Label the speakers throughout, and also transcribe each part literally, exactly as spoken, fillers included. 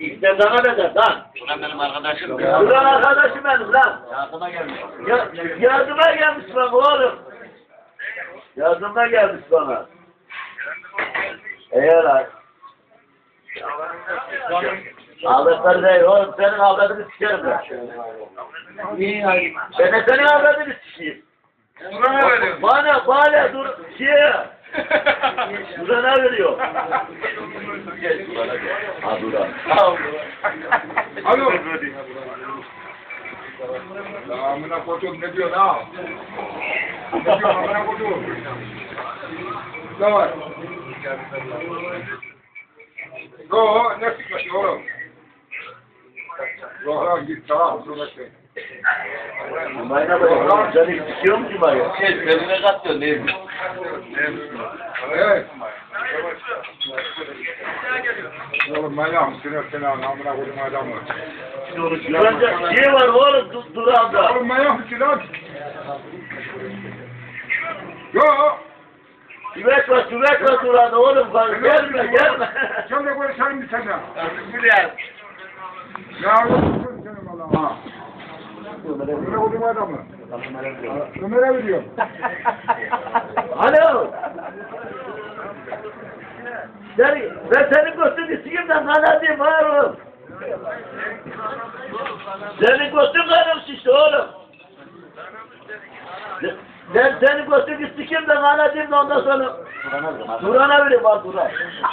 Speaker 1: İşte sana ne der lan?
Speaker 2: Ulan benim arkadaşım.
Speaker 1: Ulan arkadaşım benim lan.
Speaker 2: Yardıma gelmiş.
Speaker 1: Ya, yardıma gelmiş bana oğlum. Yardıma gelmiş bana. Eğer lan. Ağlatları değil oğlum, senin avradını sikerim ben.
Speaker 2: İyi hayır.
Speaker 1: Ben de senin avradını sikeyim.
Speaker 2: Bana veriyor.
Speaker 1: Bana, bana dur, şey. Durana veriyor. Ha Duran.
Speaker 3: Alo. Ya amına koyduğum ne diyor ha? Ne diyor amına koyduğum? Ne var? Yo, ne sıkıntı oğlum? Yo, lan git tamam, sonra şey.
Speaker 1: Mayna bak, seni sikiyor mu ki bana?
Speaker 2: Şey, benimle katıyor değil mi?
Speaker 3: Evet. Oğlum manyak mısın sen amına koyduğum adamı?
Speaker 1: Duranda şey var oğlum, dur, Duran'da.
Speaker 3: Oğlum manyak mısın lan? Yo.
Speaker 1: Tüvet var, tüvet var Duran'da oğlum. Bak, gelme, gelme.
Speaker 3: Sen de konuşalım bir sene.
Speaker 1: Biliyorum.
Speaker 3: Ne yapıyorsun sen valla? Ömer'e koyduğum adamı. Ömer'e veriyorum.
Speaker 1: Alo. Seni, ben senin götünü sikeyim de kanadayım var oğlum. Senin götün kanım şişti oğlum. Ben senin götünü sikeyim de kanadayım da ondan sonra Duran'a vereyim bak Duran.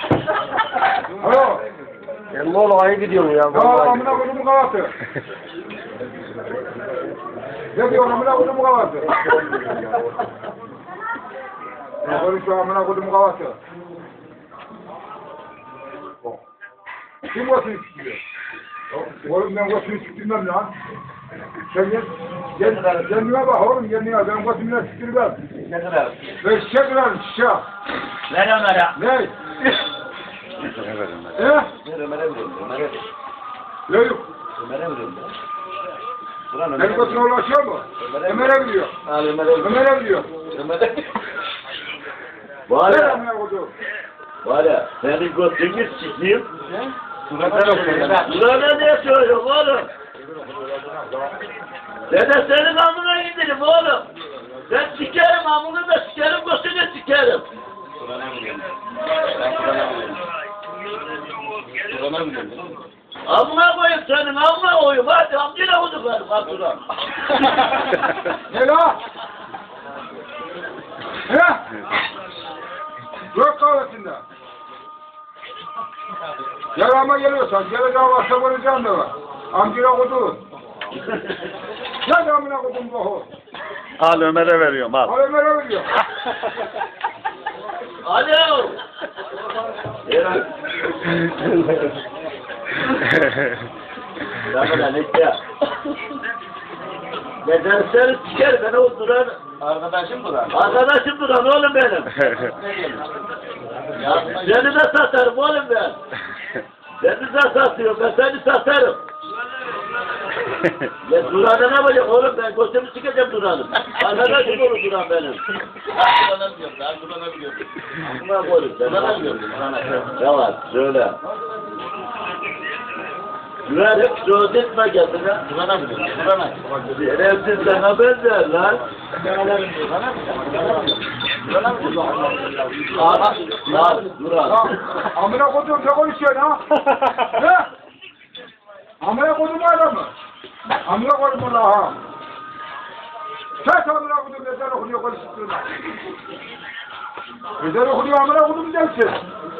Speaker 3: Alo.
Speaker 4: Sen bu olaya gidiyorsun ya.
Speaker 3: Ya
Speaker 4: vallahi.
Speaker 3: amına koyduğum kavatı. Ne diyor amına koyduğum kavatı? Ne konuşuyor amına koyduğum kavatı? Kim götünü sikiyor? Oğlum ben götünü siktirmem lan. Sen gel, gel, kendine bak oğlum kendine, ben götümle siktirmem.
Speaker 2: Ne kadar?
Speaker 3: Ben şişe kırarım şişe.
Speaker 2: Ver Ömer'e.
Speaker 3: Ne? He?
Speaker 2: Ver Ömer'e veriyorum. Ömer'e veriyorum.
Speaker 3: Ne yok?
Speaker 2: Ömer'e veriyorum. Ulan
Speaker 3: Benim
Speaker 2: Ömer'e
Speaker 3: götüne ulaşıyor mu? Ömer'e biliyor.
Speaker 2: Al Ömer'e veriyorum.
Speaker 3: Ömer'e biliyor.
Speaker 2: Ömer'e
Speaker 1: Var
Speaker 3: Ver
Speaker 1: ya,
Speaker 3: amına koyduğum.
Speaker 1: var ya, senin götünü sikeyim.
Speaker 2: Duran'a okuyor.
Speaker 1: Duran'a ne söylüyorum oğlum? Ben de senin amına indirim oğlum. Ben sikerim amını da sikerim, götünü sikerim.
Speaker 2: Duran'a veriyorum. Ben Duran'a veriyorum. Duran'a veriyorum.
Speaker 1: Amına koyayım senin, amına koyayım. Hadi amcına koyduk benim, hadi Duran.
Speaker 3: Ne la? He? Yok kahvesinde. Yarama geliyorsan, geleceğim varsa varacağım da var. Amcına koyduğun. Ne de amına koydum bu ho?
Speaker 4: Al Ömer'e veriyorum al.
Speaker 3: Al Ömer'e veriyor.
Speaker 1: Alo. Ya. Ramazan işte. Ben seni seni sikerim, ben o Duran.
Speaker 2: Arkadaşım Duran.
Speaker 1: Arkadaşım Duran oğlum benim. Seni de satarım oğlum ben. Seni de satıyorum, ben seni satarım. Ya Duran'a ne yapacak oğlum, ben götümü sikeceğim Duran'ı. Arkadaşım olur Duran benim.
Speaker 2: Duran'a biliyorum. Ben Duran'a biliyorum.
Speaker 1: Aklıma koydum sen.
Speaker 2: Duran'a biliyorum. Duran'a.
Speaker 1: Ne var, söyle. Duran hep söz etme kendine.
Speaker 2: Duran'a biliyorum. Duran'a.
Speaker 1: Şerefsiz sana benzer lan.
Speaker 2: Duran'a biliyorum. Duran'a biliyorum.
Speaker 1: Lan, lan, Duran.
Speaker 3: Ya, amına koydum ne konuşuyorsun ha? Ne? Amına koydum adamı. Amına koydum ona ha. Sen amına koydum ezan okunuyor konuşuyorsun. Ezan okunuyor amına koydum dersin.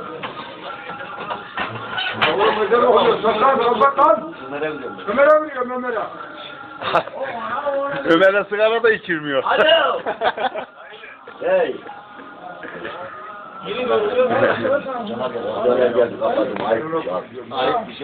Speaker 3: Oğlum ezan okunuyor. Saklan, kapat lan.
Speaker 2: Ömer'e biliyorum.
Speaker 3: Ömer'e veriyorum Ömer'e.
Speaker 4: Ömer'e sigara da içirmiyor.
Speaker 1: Alo. Hey.
Speaker 2: Yeni görüyorum.
Speaker 1: Oraya geldi kapadım. Ay,
Speaker 2: Ayıp bir şey.